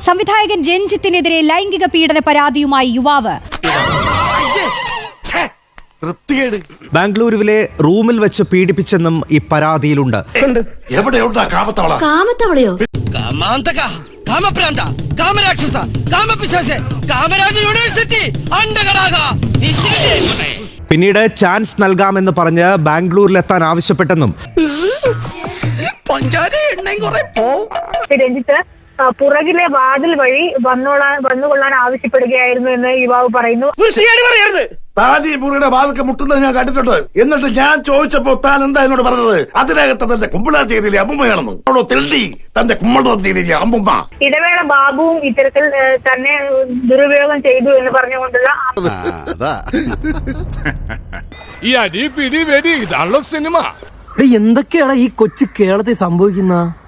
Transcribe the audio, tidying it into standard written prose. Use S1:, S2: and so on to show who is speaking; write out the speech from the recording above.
S1: സംവിധായകൻ രഞ്ജിത്തിനെതിരെ ലൈംഗിക പീഡന പരാതിയുമായി യുവാവ്.
S2: ബാംഗ്ലൂരുവിലെ റൂമിൽ വെച്ച് പീഡിപ്പിച്ചെന്നും ഈ പരാതിയിലുണ്ട്.
S3: കാമത്തവളയോ?
S2: പിന്നീട് ചാൻസ് നൽകാമെന്ന് പറഞ്ഞ് ബാംഗ്ലൂരിലെത്താൻ ആവശ്യപ്പെട്ടെന്നും
S4: രഞ്ജിത്ത് പുറകിലെ വാതിൽ വഴി വന്നുകൊള്ളാൻ ആവശ്യപ്പെടുകയായിരുന്നു എന്ന് യുവാവ് പറയുന്നു.
S5: താൻ ഈ മുറിയുടെ വാതൊക്കെ മുട്ടുന്നത് ഞാൻ കണ്ടിട്ടുണ്ട്. എന്നിട്ട് ഞാൻ ചോദിച്ചപ്പോ താൻ എന്താ എന്നോട് പറഞ്ഞത്? അതിനകത്ത് തന്റെ കുമ്പിള ചെയ്തില്ലേ അമ്മുമ്മയാണെന്ന്. അവളോ തെണ്ടി തന്റെ കുമ്മളോ ചെയ്തില്ലേ അമ്മുമ്മ.
S4: ഇടവേള ബാബുവും ഇത്തരത്തിൽ തന്നെ ദുരുപയോഗം ചെയ്തു എന്ന് പറഞ്ഞുകൊണ്ടുള്ള
S6: ഈ അടി പിടി വെടി ഇതാണല്ലോ സിനിമ.
S7: എന്തൊക്കെയാണ് ഈ കൊച്ചു കേരളത്തിൽ സംഭവിക്കുന്ന?